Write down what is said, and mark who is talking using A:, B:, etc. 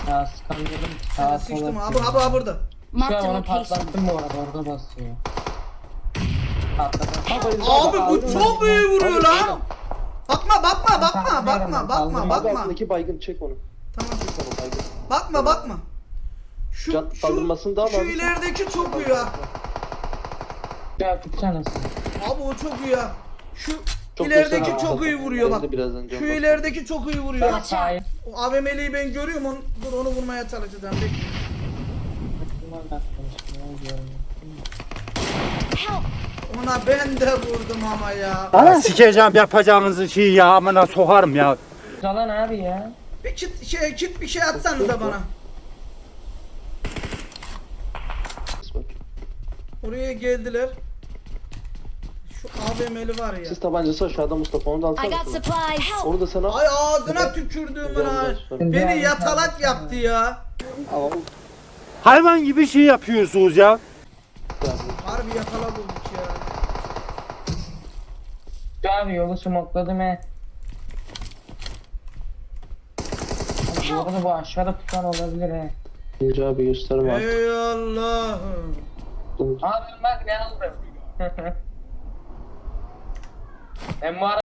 A: Ya sıkamıyorum.
B: Sen sıçtım abi burada.
A: Şu
C: Marked
A: an
C: a
A: onu
C: location.
A: patlattım bu arada, orada basıyor. Patladım.
B: Abi bu çok iyi vuruyor lan. Bakma.
D: Abi altındaki baygın çek onu.
B: Tamam.
D: Çek onu baygın.
B: Bakma.
D: Can kaldırmasını da al
B: Şu
D: abi.
B: ilerideki çok iyi ya.
A: Ya tutsana sen.
B: Abi o çok iyi ya. Şu
D: Çok
B: ilerideki
D: göster-
B: çok iyi vuruyor bak.
D: Ben de birazdan can
B: Şu
D: basacağım.
B: ilerideki çok iyi vuruyor.
C: Watch out.
A: Hayır.
B: O AVM'liyi ben görüyorum dur onu vurmaya çalışacağım.
C: Help!
B: Ona ben de vurdum ama ya.
E: Sikeceğim yapacağınızı şey ya amına sokarım ya.
A: Zalan abi ya.
B: Bir kit bir şey atsanıza bana. Oraya geldiler. Şu AVM'li var ya.
D: Siz tabancası aşağıda Mustafa, onu da
C: I
D: alsana.
C: got supplies. Help!
D: Onu da sana al.
B: Ay ağzına tükürdüğümün ha. Beni yatalak yaptı ya.
D: Al.
E: Hayvan gibi şey yapıyorsunuz ya.
B: Harbi yatalak olduk ya.
A: Şu abi yolu smokladım he. Bu arada bu aşağıda tutan olabilir he.
D: İnce abi gösterme artık.
B: Ey Allah'ım.
A: Abi bak ne aldım. Ben bu arada